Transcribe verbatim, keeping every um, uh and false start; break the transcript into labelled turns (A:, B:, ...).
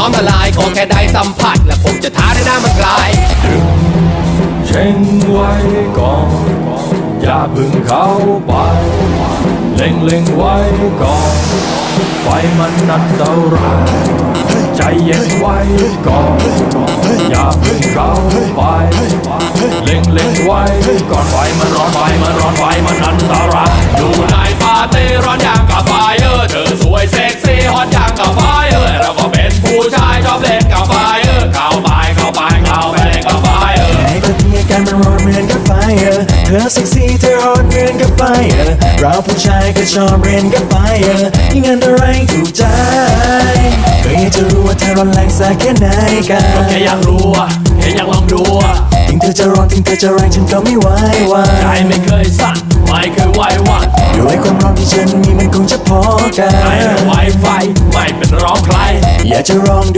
A: น้อมละลายขอแค่ได้สัมผัสและผมจะท้าได้หน้ามันกลาย
B: เช่งไว้ก่อนอย่าเพึ่งเข้าไปเล็งเล็งไว้ก่อนไฟมันอันตรายใจเย็นไว้ก่อนอย่าเพึ่งเข้าไปเล็งเล็งไว้ก่อนไฟมันร้อนไฟมันร้อนไฟมันอันตราย
A: อยู่ในปาร์ตี้ร้อนอย่างกับไฟเออเธอสวยเซ็กซี่ฮอตอย่างกับไฟเออเราก็เป็นผู้ชายชอบเล่นกับไฟเออเข้าไปเข้าไปเข้าไปเล่นกับไฟเออ
C: ไอ้คนที่อาการมันร้อนเหมือนกับไฟเออเธอเซ็กซี่เธอฮอตเหมือนกับไฟเออเราผู้ชายก็ชอบเรียนกับไฟเออยิ่งอันตรายถูกใจก็อยากจะรู้ว่าเธอร้อนแรงสักแค่ไหนกัน
B: ก็แค่อยากรู้อะแค่อยากลองดูอะ
C: ถึงเธอจะร้อนถึงเธอจะแรงฉันก็ไม่ไหววา
B: ใจไม่เคยสั่นไม่เคยไหวหวั่น
C: ด้วยความร้อนที่ฉันมีมันคงจะพอกัน
B: ไม่ไหวไฟไม่เป็นร้องใคร
C: อยากจะลอง